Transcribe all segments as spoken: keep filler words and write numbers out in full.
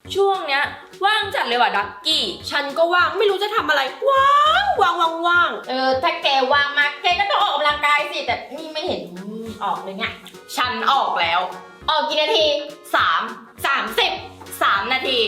ช่วงเนี้ยว่างจัดเลยว่ะดักกี้ฉันก็ว่างไม่รู้จะทำอะไรว่างว่างว่างว่างเออถ้าแกว่างมากแกก็ต้องออกกำลังกายสิแต่นี่ไม่เห็นออกเลยไงฉันออกแล้ว ออกกี่นาทีสามสามสิบสามนาที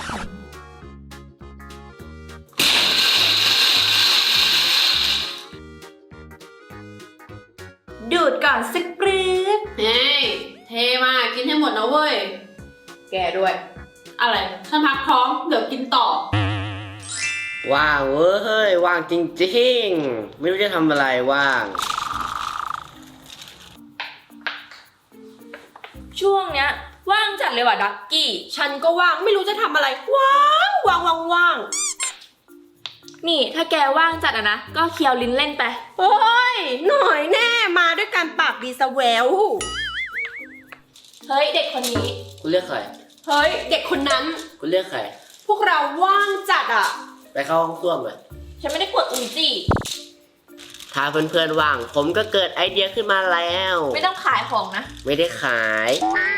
ดูดก่อนสักปรื๊ดเฮ้ยเทมากินให้หมดนะเว้ยแกด้วยอะไรฉันพักท้องเดี๋ยวกินต่อว่างเว้ยว่างจริงๆไม่รู้จะทำอะไรว่างช่วงเนี้ยว่างจัดเลยว่ะดักกี้ฉันก็ว่างไม่รู้จะทำอะไรว่างว่างว่างว่างนี่ถ้าแกว่างจัดอะนะก็เคี้ยวลิ้นเล่นไปโอ้ยหน่อยแน่มาด้วยการปากดีสแววเฮ้ยเด็กคนนี้คุณเรียกใครเฮ้ยเด็กคนนั้นคุณเรียกใครพวกเราว่างจัดอ่ะไปเข้าห้องส้วมเลยฉันไม่ได้กดอุจิถ้าเพื่อนๆว่างผมก็เกิดไอเดียขึ้นมาแล้วไม่ต้องขายของนะไม่ได้ขาย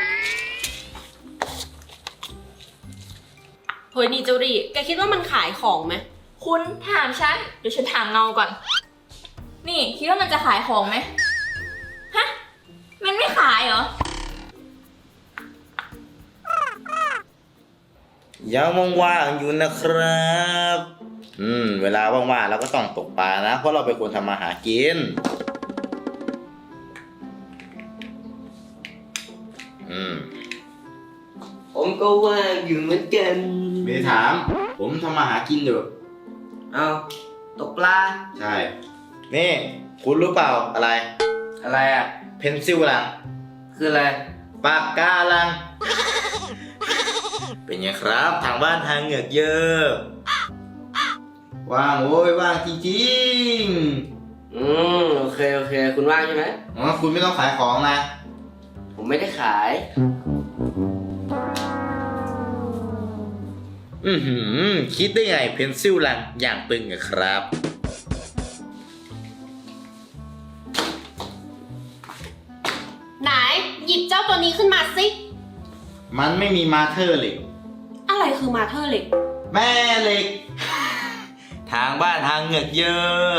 เฮ้ยนี่เจ้าดิแกคิดว่ามันขายของไหมคุณถามฉันเดี๋ยวฉันถามเงาก่อนนี่คิดว่ามันจะขายของไหมฮะมันไม่ขายเหรอยังว่างๆอยู่นะครับอืมเวลาว่างๆเราก็ต้องตกปลานะเพราะเราเป็นคนทำมาหากินอืมผมก็ว่างอยู่เหมือนกันไม่ได้ถามผมทำมาหากินอยู่เอาตกปลาใช่นี่คุณรู้เปล่าอะไรอะไรอ่ะเพนซิลลังคืออะไรปากกาลังเป็นไงครับทางบ้านทางเหงือกเยอะว่างโว้ยว่างจริงๆอืมโอเคโอเคคุณว่างใช่ไหมอ๋อคุณไม่ต้องขายของนะผมไม่ได้ขายอือหือคิดได้ไงเพนซิลลังอย่างตึงอะครับไหนหยิบเจ้าตัวนี้ขึ้นมาสิมันไม่มีมาเธอร์เหล็กอะไรคือมาเธอร์เหล็กแม่เหล็กทางบ้านทางเหงือกเยอะ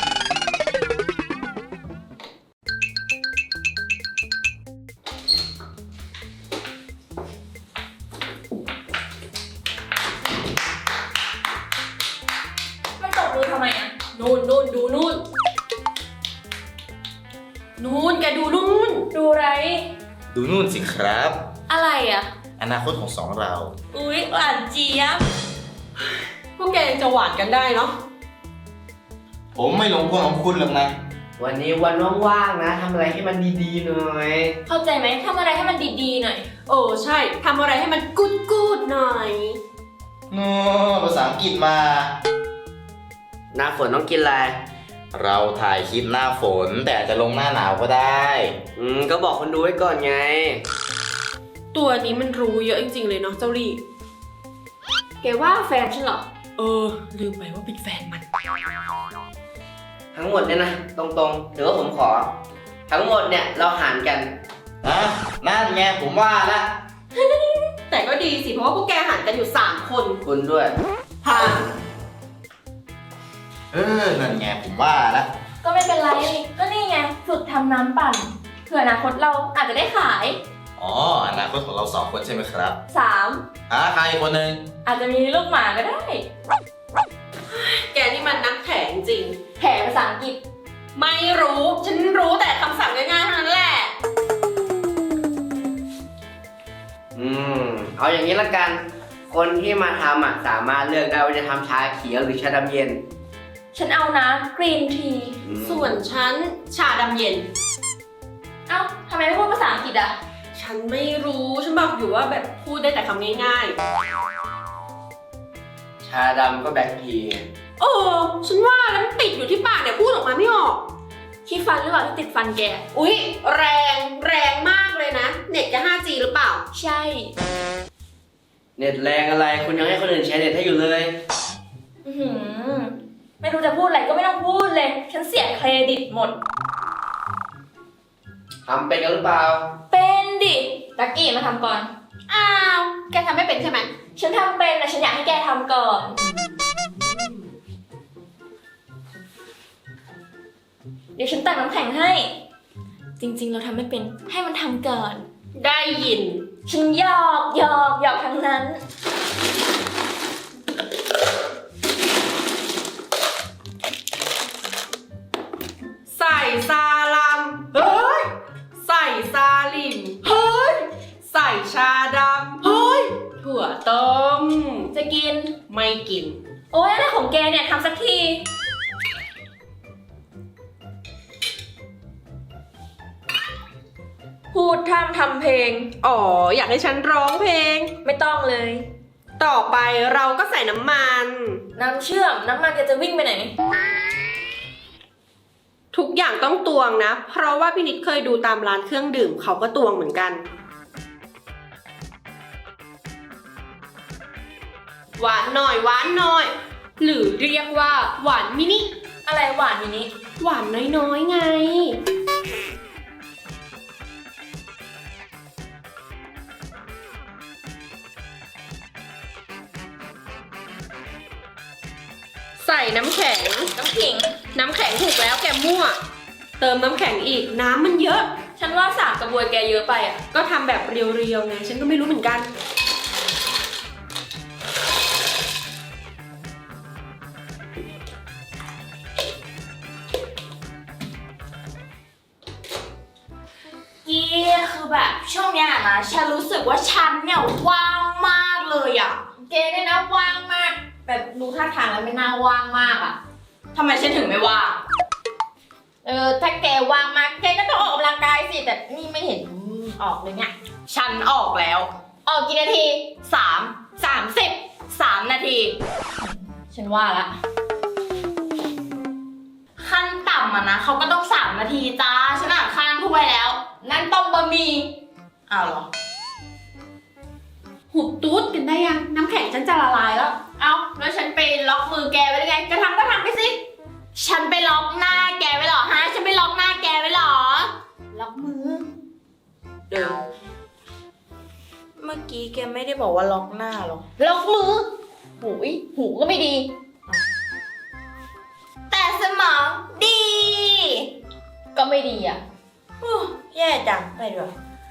มันตบมือทำไมอ่ะนู่นนู่นดูนู่นนู่นแกดูนู่นดูอะไรดูนู่นสิครับอะไรอ่ะอนาคตของสองเราอุ๊ยหวานเจี๊ยบพวกแกยังจะหวานกันได้เนาะผมไม่หลงกลของคุณหรอกนะวันนี้วันว่างๆนะทำอะไรให้มันดีๆหน่อยเข้าใจไหมทำอะไรให้มันดีๆหน่อยโอ้ใช่ทำอะไรให้มันกูดกูดหน่อยโน้ภาษาอังกฤษมาหน้าฝนต้องกินอะไรเราถ่ายคลิปหน้าฝนแต่จะลงหน้าหนาวก็ได้อืมก็บอกคนดูไว้ก่อนไงตัวนี้มันรู้เยอะจริงๆเลยเนาะเจ้าลี่แกว่าแฟนฉันเหรอเออลืมไปว่าเป็นแฟนมันทั้งหมดเนี่ยนะตรงๆถือว่าผมขอทั้งหมดเนี่ยเราหารกันนะนั่นไงผมว่าละแต่ก็ดีสิเพราะว่าพวกแกหารกันอยู่สามคนคุณด้วยผ่านเออนั่นไงผมว่าละก็ไม่เป็นไรก็นี่ไงฝึกทำน้ำปั่นเผื่ออนาคตเราอาจจะได้ขายอ๋ออนาคตของเราสองคนใช่ไหมครับสามอ่ะใครคนหนึ่งอาจจะมีลูกหมาก็ได้แกนี่มันนักแถจริงแถภาษาอังกฤษไม่รู้ฉันรู้แต่คำสั่งง่ายๆเท่านั้นแหละอืมเอาอย่างนี้ละกันคนที่มาทำอ่ะสามารถเลือกได้ว่าจะทำชาเขียวหรือชาดำเย็นฉันเอาน้ำกรีนทีส่วนฉันชาดำเย็นเอ้าทำไมไม่พูดภาษาอังกฤษอ่ะฉันไม่รู้ฉันบอกอยู่ว่าแบบพูดได้แต่คำง่ายๆชาดำก็แบล็คทีโอ้ฉันว่าแล้วมันติดอยู่ที่ปากเนี่ยพูดออกมาไม่ออกขี้ฟันหรือเปล่าที่ติดฟันแกอุ๊ยแรงแรงมากเลยนะเน็ตจะ ห้าจี หรือเปล่าใช่เน็ตแรงอะไรคุณยังให้คนอื่นใช้เน็ตให้อยู่เลยอือไม่รู้จะพูดอะไรก็ไม่ต้องพูดเลยฉันเสียเครดิตหมดทำเป็นกันหรือเปล่าเป็นดิตักกี้มาทำก่อนอ้าวแกทำไม่เป็นใช่ไหมฉันทำเป็นนะฉันอยากให้แกทำก่อน เดี๋ยวฉันตักน้ำแข็งให้ จริงๆเราทำไม่เป็นให้มันทำก่อนได้ยินฉันหยอกหยอกหยอกทั้งนั้นใส่ซาลัมเฮ้ยใส่ซาลิมเฮ้ยใส่ชาดำเฮ้ยถั่วต้มจะกินไม่กินโอ๊ยอะไรของแกเนี่ยทำสักที พูดทำทำเพลงอ๋ออยากให้ฉันร้องเพลงไม่ต้องเลยต่อไปเราก็ใส่น้ำมันน้ำเชื่อมน้ำมันแกจะวิ่งไปไหนทุกอย่างต้องตวงนะ เพราะว่าพี่นิดเคยดูตามร้านเครื่องดื่มเขาก็ตวงเหมือนกัน หวานหน่อยหวานหน่อย หรือเรียกว่าหวานมินิอะไรหวานอย่างนี้หวานน้อยๆไง ใส่น้ำแข็งน้ำขิงน้ำแข็งถูกแล้วแกมั่ว เติมน้ำแข็งอีกน้ำมันเยอะฉันว่าสากกระบวยแกเยอะไปอ่ะก็ทำแบบเรียวๆไงฉันก็ไม่รู้เหมือนกันกี้คือแบบช่วงเนี้ยนะฉันรู้สึกว่าฉันเนี่ยว่างมากเลยอ่ะแกเนี่ยนะว่างมากแบบดูท่าทางแล้วไม่น่าว่างมากอ่ะทำไมฉันถึงไม่ว่างเออถ้าแกว่างมากแกก็ต้องออกกำลังกายสิแต่นี่ไม่เห็นออกเลยเนี่ยฉันออกแล้ว ออกกี่นาทีสามสามสิบสามนาที ฉันว่าละขั้นต่ำอะนะเขาก็ต้องสามนาทีจ้าฉันอ่านข้างถ้วยแล้ว นั่นต้มบะหมี่อ้าวเหรอหุบตุ๊ดกันได้ยัง น้ำแข็งฉันจะละลายแล้วเอาแล้วฉันไปล็อกมือแกไว้ได้ไงจะทำก็ทำไปสิ ฉันไปล็อกหน้าแกไว้เหรอฮะ ฉันไปล็อกหน้าแกไว้เหรอ ล็อกมือเดินเมื่อกี้แกไม่ได้บอกว่าล็อกหน้าหรอ ล็อกมือ หูยหูก็ไม่ดี แต่สมองดี ก็ไม่ดีอ่ะโอ้แย่จังไปดีกว่า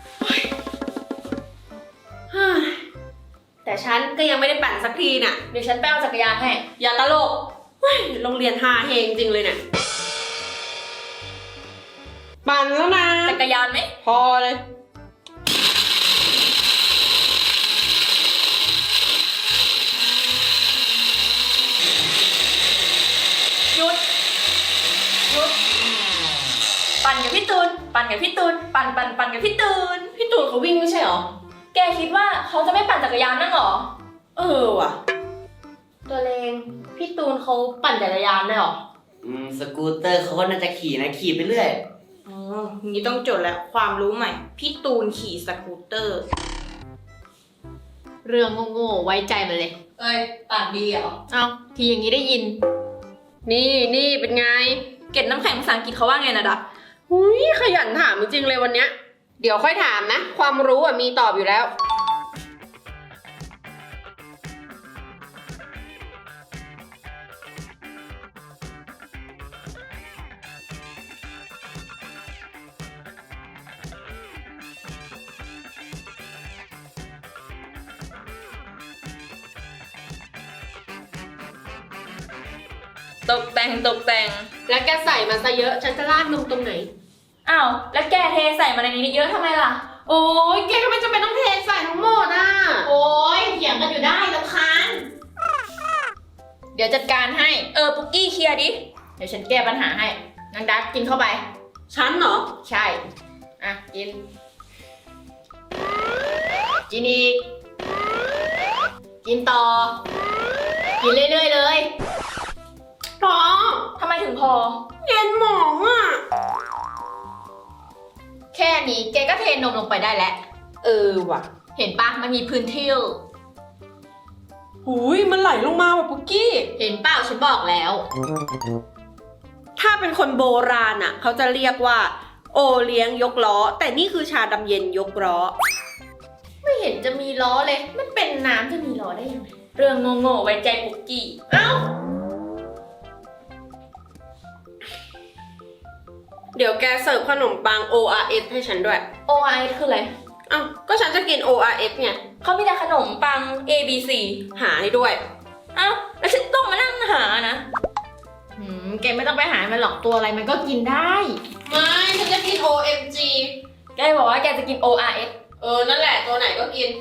แต่ฉันก็ยังไม่ได้ปั่นสักทีน่ะเดี๋ยวฉันไปเอาจักรยานให้อย่าตลกเฮ้ยโรงเรียนฮาเฮงจริงเลยเนี่ย ปั่นแล้วนะจักรยานไหมพอเลยหยุด หยุด ปั่นกับพี่ตูน ปั่นกับพี่ตูน ปั่นปั่นปั่นกับพี่ตูนพี่ตูนเขาวิ่งไม่ใช่เหรอแกคิดว่าเขาจะไม่ปั่นจักรยานนั่งหรอเออว่ะตัวเลงพี่ตูนเขาปั่นจักรยานได้หรออืมสกูตเตอร์เขาก็น่าจะขี่นะขี่ไปเรื่อยอ๋องี้ต้องจดแล้วความรู้ใหม่ พี่ตูนขี่สกูตเตอร์เรื่องโง่ๆไว้ใจมันเลยเอ้ยปั่นดีเหรอเอาทีอย่างนี้ได้ยิน นี่นี่เป็นไงเก็บน้ำแข็งภาษาอังกฤษเขาว่าไงนะดับหุยขยันถามจริงๆเลยวันเนี้ย เดี๋ยวค่อยถามนะ ความรู้อ่ะมีตอบอยู่แล้วตกแต่งตกแต่งแล้วแกใส่มาซะเยอะ ฉันจะราดนมตรงไหนอ้าว แล้วแกเทใส่มาในนี้เยอะทำไมล่ะโอ้ยแกก็ไม่จำเป็นต้องเทใส่ทั้งหมดอ่ะโอ้ยเถียงกันอยู่ได้รำคาญเดี๋ยวจัดการให้ เออ ปุกกี้เคลียร์ดิ เดี๋ยวฉันแก้ปัญหาให้นางดักกินเข้าไปฉันเหรอใช่ อ่ะ กิน กินอีก กินต่อ กินเรื่อยๆเลยพอทำไมถึงพอเย็นหมองอ่ะแค่นี้แกก็เทนมลงไปได้แล้วเออว่ะเห็นปะมันมีพื้นที่หุยมันไหลลงมาว่ะปุกกี้เห็นเปล่าฉันบอกแล้วถ้าเป็นคนโบราณอ่ะ เขาจะเรียกว่า โอเลี้ยงยกล้อ แต่นี่คือชาดำเย็นยกล้อ ไไม่เห็นจะมีล้อเลย มันเป็นน้ำจะมีล้อได้ยังไง เรื่องโง่ๆไว้ใจปุกกี้ เอ้าเดี๋ยวแกเสิร์ฟขนมปัง โอ อาร์ เอส ให้ฉันด้วยโอ อาร์ เอส คืออะไรอ้าวก็ฉันจะกิน โอ อาร์ เอส ไงเขามีแต่ขนมปัง A B C หาให้ด้วยเอ้า แล้วฉันต้องมานั่งหานะหืมแกไม่ต้องไปหามันหรอกตัวอะไรมันก็กินได้ไม่ฉันจะกิน โอ เอ็ม จีแกบอกว่าแกจะกิน โอ อาร์ เอสเออ นั่นแหละตัวไหนก็กิน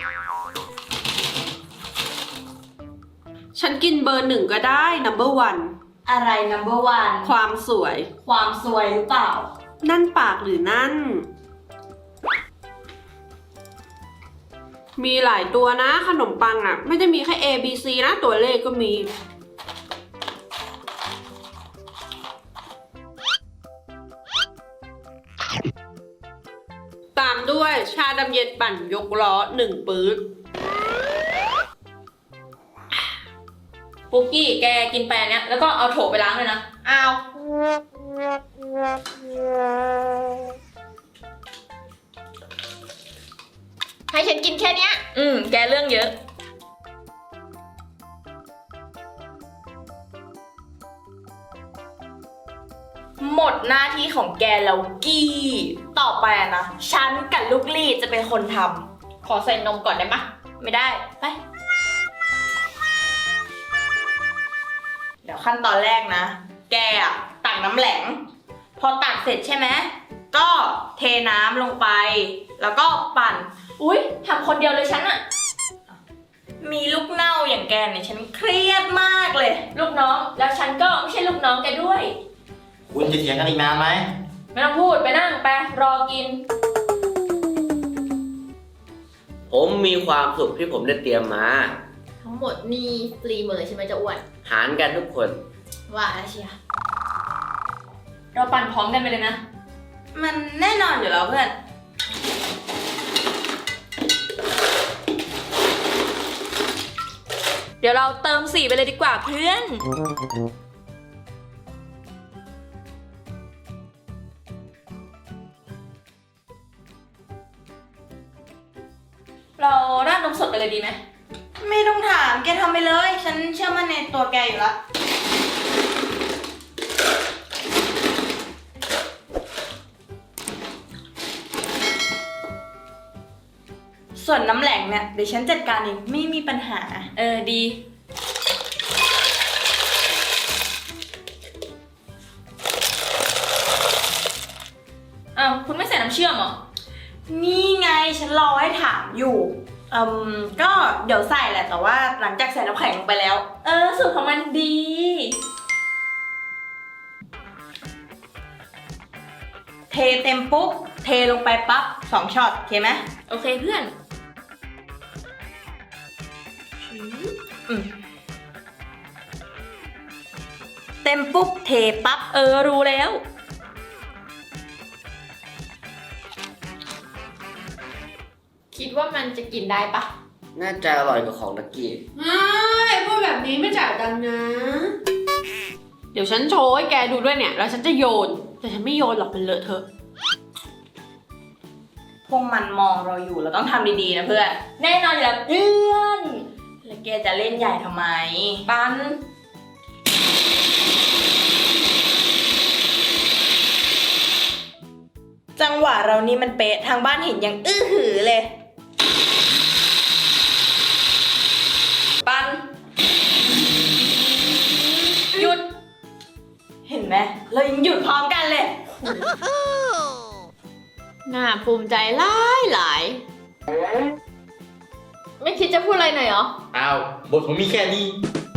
ฉันกินเบอร์หนึ่งก็ได้ number one อะไร number one ความสวยความสวยหรือเปล่านั่นปากหรือนั่น มีหลายตัวนะขนมปังอ่ะ ไม่ได้มีแค่ A B C นะ ตัวเลขก็มี ตามด้วยชาดำเย็นปั่นยกล้อหนึ่งปื๊ดปุกกี้แกกินไปอันเนี้ยแล้วก็เอาโถไปล้างเลยนะเอาให้ฉันกินแค่เนี้ย อืม แกเรื่องเยอะ หมดหน้าที่ของแกแล้วกี้ ต่อไปอะนะ ฉันกับลูกลี่จะเป็นคนทำ ขอใส่นมก่อนได้ปะไม่ได้ ไป เดี๋ยวขั้นตอนแรกนะ แกอะตักน้ำแหลง พอตักเสร็จใช่ไหม ก็เทน้ำลงไป แล้วก็ปั่น อุ๊ยทำคนเดียวเลยฉันอะมีลูกเน่าอย่างแกเนี่ยฉันเครียดมากเลย ลูกน้อง แล้วฉันก็ไม่ใช่ลูกน้องแกด้วยคุณจะเถียงกันอีกนานไหมไม่ต้องพูดไปนั่งไปรอกินผมมีความสุขที่ผมได้เตรียมมาทั้งหมดนี่ฟรีหมดเลยใช่ไหมเจะอ้วนหารกันทุกคนว่าแล้วเชียร์เราปั่นพร้อมกันไปเลยนะ มันแน่นอนอยู่แล้วเพื่อน เดี๋ยวเราเติมสีไปเลยดีกว่าเพื่อน เราราดนมสดไปเลยดีไหม ไม่ต้องถามแกทำไปเลย ฉันเชื่อมั่นในตัวแกอยู่แล้ว ส่วนน้ำแหลงเนี่ยเดี๋ยวฉันจัดการเองไม่มีปัญหา เออดี อ้าวคุณไม่ใส่น้ำเชื่อมเหรอ นี่ไงฉันรอให้ถามอยู่อืมก็เดี๋ยวใส่แหละแต่ว่าหลังจากใส่น้ำแข็งลงไปแล้ว เออสูตรของมันดี เทเต็มปุ๊บ เทลงไปปั๊บสองช็อตโอเคไหมโอเคเพื่อนอืมเต็มปุ๊บ เทปั๊บ เออ รู้แล้ว คิดว่ามันจะกินได้ปะน่าจะอร่อยกว่าของตะกี้ไม่พูดแบบนี้ไม่จ่ายตังค์นะ เดี๋ยวฉันโชว์ให้แกดูด้วยเนี่ย แล้วฉันจะโยน แต่ฉันไม่โยนหรอกมันเลอะเทอะพวกมันมองเราอยู่เราต้องทำดีๆนะเพื่อน แน่นอนอยู่แล้วเพื่อน แล้วแกจะเล่นใหญ่ทำไม ปัน จังหวะเรานี่มันเป๊ะทางบ้านเห็นยังอื้อหือเลย ปัน หยุด เห็นไหมเรายังหยุดพร้อมกันเลยน่าภูมิใจหลายหลาย ไม่คิดจะพูดอะไรหน่อยเหรออ้าวบทผมมีแค่นี้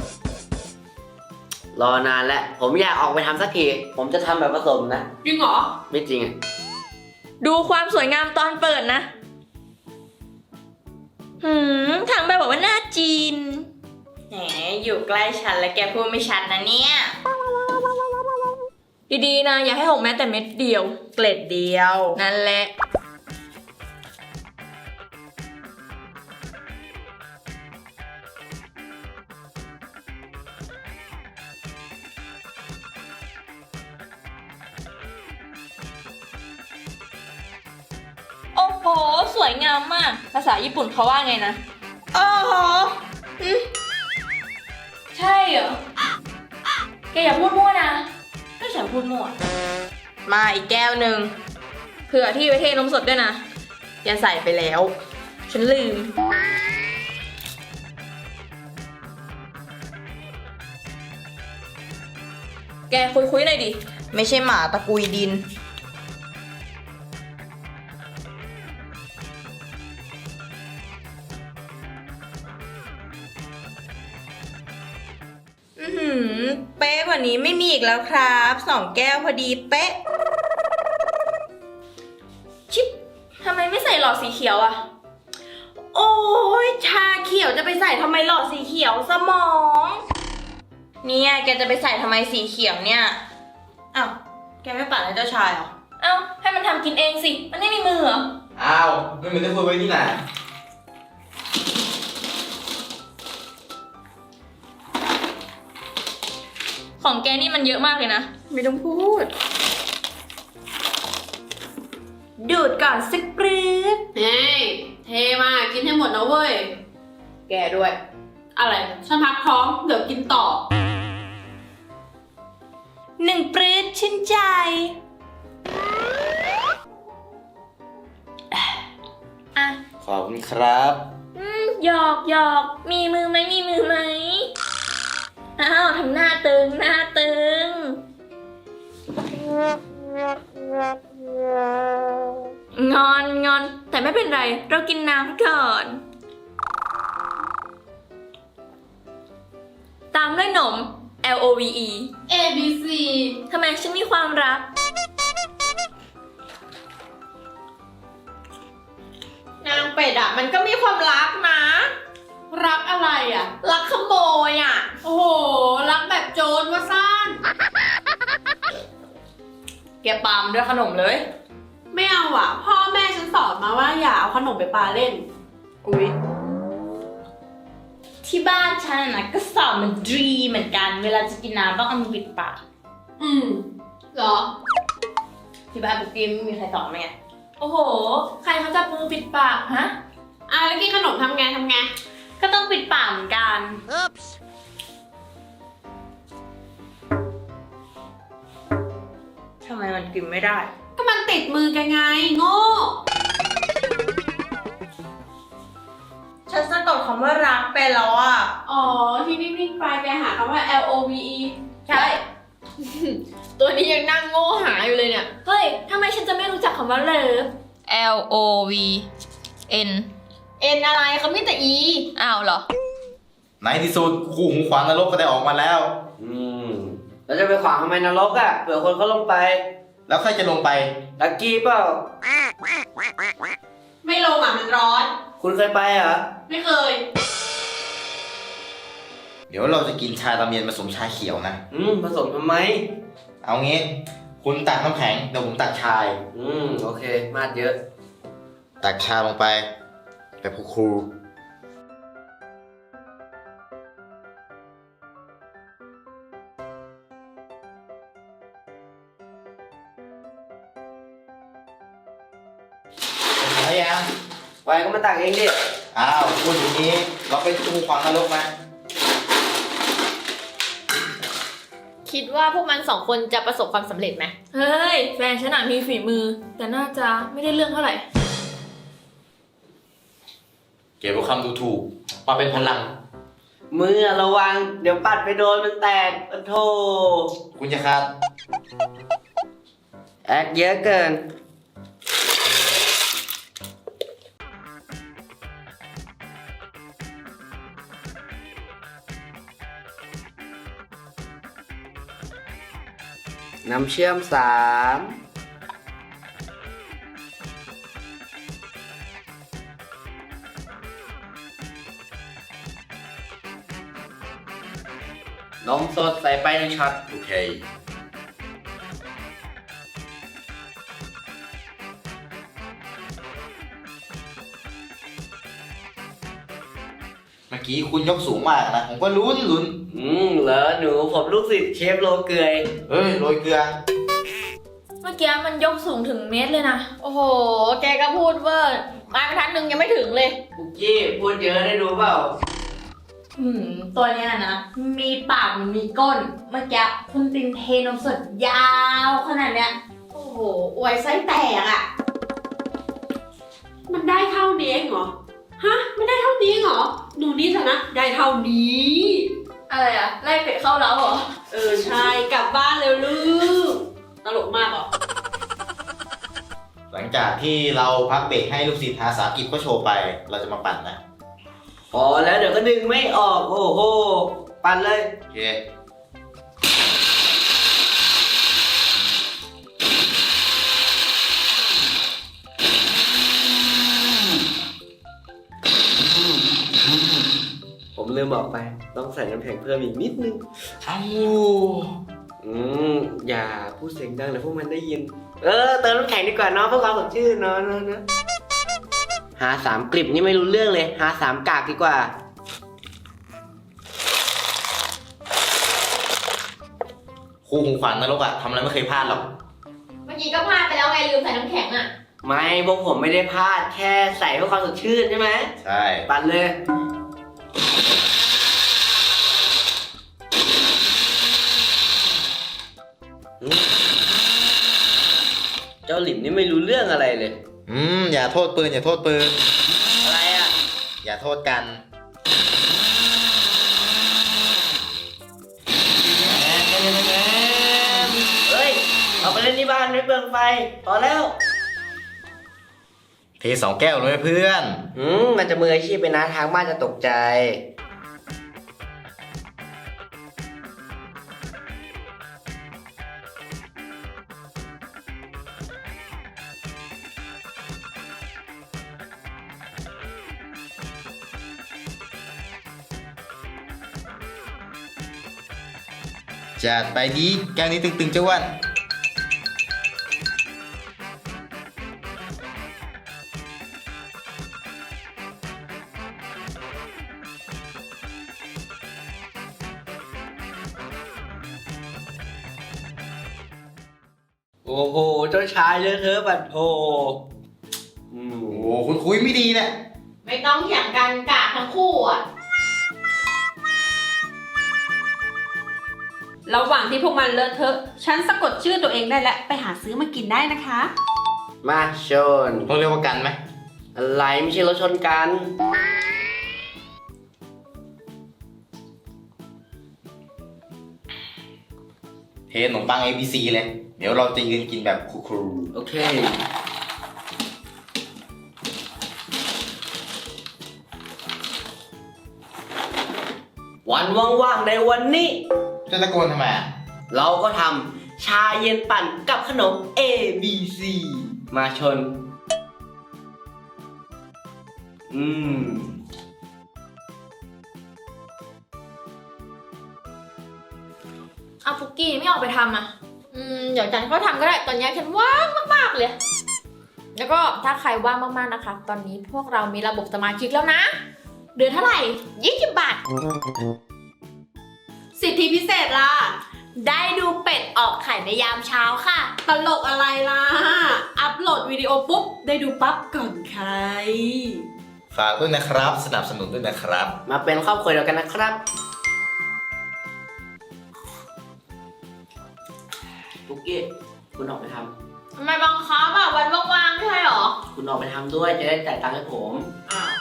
รอนานแล้ว ผมอยากออกไปทำสักที ผมจะทำแบบผสมนะจริงเหรอไม่จริงอ่ะดูความสวยงามตอนเปิดนะ หืมทางแบบบอกว่าน่าจีน แหม อยู่ใกล้ฉันแล้วแกพูดไม่ชัดนะเนี่ย ดีๆนะ อย่าให้หกแม้แต่เม็ดเดียว เกล็ดเดียว นั่นแหละ โอ้โห สวยงามมาก ผภาษาญี่ปุ่นเขาว่าไงนะอ๋อใช่เหรอ แกอย่าพูดมั่วนะไม่ฉันพูดมั่วมาอีกแก้วหนึ่งเผื่อที่ไปเทนมสดด้วยนะ อย่าใส่ไปแล้ว ฉันลืม แกคุยคุยๆหน่อยดิ ไม่ใช่หมาตะกุยดิน อือหือ เป๊ะกว่านี้ไม่มีอีกแล้วครับสองแก้วพอดีเป๊ะชิปทำไมไม่ใส่หลอดสีเขียวอะโอ้ยชาเขียวจะไปใส่ทำไมหลอดสีเขียวสมอง เนี่ยแกจะไปใส่ทำไมสีเขียวเนี่ย อ้าว แกไม่ปั่นให้เจ้าชายเหรอเอ้า ให้มันทำกินเองสิ มันไม่มีมือเหรออ้าวไม่เหมือนที่คุยไว้นี่นะของแกนี่มันเยอะมากเลยนะไม่ต้องพูด ดูดก่อนสักปรื๊ดเฮ้ย เทมากินให้หมดนะเว้ยแกด้วยอะไร ฉันพักท้อง เดี๋ยวกินต่อหนึ่งปรื๊ดชื่นใจอ่ะขอบคุณครับอืมหยอกหยอกมีมือไหมมีมือไหม อ้าวทำหน้าตึงหน้าตึง งอนงอนแต่ไม่เป็นไร เรากินน้ำก่อน ตามด้วยหนม L O V E A B C ทำไมฉันมีความรักนางเป็ดอ่ะ มันก็มีความรักนะรักอะไรอ่ะรักขโมยอ่ะโอ้โห รักแบบโจรว่าซ่านแกปามด้วยขนมเลยไม่เอาอ่ะ พ่อแม่ฉันสอนมาว่าอย่าเอาขนมไปปาเล่นอุ๊ยที่บ้านฉันนะก็สอนมันดีเหมือนกัน เวลาจะกินน้ำต้องเอามือปิดปากอืมเหรอที่บ้านปุ๊กกี้ไม่มีใครสอนไหมไงโอ้โห ใครเขาจับมือปิดปากฮะอ่ะแล้วกินขนมทำไงทำไงก็ต้องปิดปากเหมือนกันทำไมมันกินไม่ได้ก็มันติดมือแกไง โง่ฉันสะกดคำว่ารักไปแล้วอ่ะอ๋อ ที่นิ่งๆไปแกหาคำว่า L O V E ใช่ ตัวนี้ยังนั่งโง่หาอยู่เลยเนี่ยเฮ้ยทำไมฉันจะไม่รู้จักคำว่าเลิฟ L O V N เอ็นอะไรเขามีแต่ E อ้าวเหรอในที่สุดคู่หูขวางนรกก็ได้ออกมาแล้วอืมเราจะไปขวางทำไมนรกอ่ะเผื่อคนเขาลงไปแล้วใครจะลงไปลักกี้เปล่าไม่ลงอ่ะมันร้อนคุณเคยไปเหรอไม่เคยเดี๋ยวเราจะกินชาตะเมียนผสมชาเขียวนะอืมผสมทำไมเอางี้ คุณตักน้ำแข็งเดี๋ยวผมตักชายอืมโอเค มาดเยอะตักชาลงไปแบบครูๆเอายังไปก็มาตักเองดิอ้าวพูดอย่างนี้ เราเป็นคู่หูขวางนรกนะคิดว่าพวกมันสองคนจะประสบความสำเร็จไหมเฮ้ย แฟนฉันน่ะมีฝีมือ แต่น่าจะไม่ได้เรื่องเท่าไหร่เก็บคำดูถูกมาเป็นพลังมือระวัง เดี๋ยวปัดไปโดนมันแตกโอ้โธ่คุณจะครับแอคเยอะเกิน น้ำเชื่อมสามนมสดใส่ไปหนึ่งช็อตโอเค เมื่อกี้คุณยกสูงมากนะ ผมก็ลุ้นลุ้นอืมเหรอหนูผมลูกศิษย์เชฟโลเกยเอ้ยโรยเกลือเมื่อกี้มันยกสูงถึงเมตรเลยนะโอ้โห แกก็พูดเวอร์มาไปทันหนึ่งยังไม่ถึงเลยปุกกี้พูดเยอะได้ดูเปล่าอืมตัวเนี้ยนะ มีปากมันมีก้น เมื่อกี้คุณตินเทนมสดยาวขนาดเนี้ย โอ้โห อวยไส้แตกอะมันได้เท่านี้เองเหรอ ฮะ ไม่ได้เท่านี้เหรอ หนูนี่เถอะนะ ได้เท่านี้อะไรอะไล่เป็ดเข้าแล้วเหรอเออใช่ กลับบ้านเร็วลูก ตลกมากเหรอหลังจากที่เราพักเบรกให้ลูกศิษย์ภาษาอังกฤษก็โชว์ไป เราจะมาปั่นนะพอแล้วเดี๋ยวก็ดึงไม่ออก โอ้โห ปั่นเลยโอเคผมลืมบอกไป ต้องใส่น้ำแข็งเพิ่มอีกนิดนึงอ้าวอืม อย่าพูดเสียงดังเดี๋ยวพวกมันได้ยิน เออ เติมน้ำแข็งดีกว่าเนาะเพื่อความสดชื่นเนาะเนาะเนาะหาสามกลิบนี่ไม่รู้เรื่องเลย หาสามกากดีกว่าครูของขวัญนรกอะทำอะไรไม่เคยพลาดหรอกเมื่อกี้ก็พลาดไปแล้วไงลืมใส่น้ำแข็งอะไม่พวกผมไม่ได้พลาด แค่ใส่เพื่อความสดชื่นใช่ไหมใช่ปั่นเลย เจ้าหลิมนี่ไม่รู้เรื่องอะไรเลยอืม อย่าโทษปืน อย่าโทษปืนอะไรอ่ะอย่าโทษกันเฮ้ย เอาไปเล่นที่บ้านไม่เปลืองไฟ พอแล้วเทสองแก้วเลยเพื่อนอืม มันจะมืออาชีพไปนะทางบ้านจะตกใจจัดไปดีแก้วนี้ตึงๆเจ้าอ้วันโอ้โห เจ้าชายเลยเธอะบัดโทอืมโอ้คุณคุยไม่ดีเนี่ยไม่ต้องเถียงกันกะทั้งคู่อะระหว่างที่พวกมันเลอะเทอะ ฉันสะกดชื่อตัวเองได้แล้ว ไปหาซื้อมากินได้นะคะมาชนต้องเรียกว่ากันไหมอะไรไม่ใช่รถชนกันเทขนมปัง เอ บี ซี เลย เดี๋ยวเราจะยืนกินแบบครูโอเค วันว่างๆในวันนี้ๆจะตะโกนทำไมอะเราก็ทำชาเย็นปั่นกับขนม A B C มาชน อืมเอาปุกกี้ไม่ออกไปทำอะอืมเดี๋ยวจันก็ทำก็ได้ ตอนนี้ฉันว่างมากๆเลย แล้วก็ถ้าใครว่างมากๆนะคะ ตอนนี้พวกเรามีระบบสมาชิกแล้วนะ เดือนเท่าไหร่ยี่สิบบาทสิทธิพิเศษล่ะได้ดูเป็ดออกไข่ในยามเช้าค่ะตลกอะไรล่ะ อัพโหลดวิดีโอปุ๊บ ได้ดูปั๊บก่อนใครฝากด้วยนะครับ สนับสนุนด้วยนะครับมาเป็นครอบครัวเดียวกันนะครับปุกกี้คุณออกไปททำไมบังคับอะวันว่างๆไม่ใช่หรอำคุณออกไปทำด้วยจะได้จ่ายตังค์ให้ผมอ้าว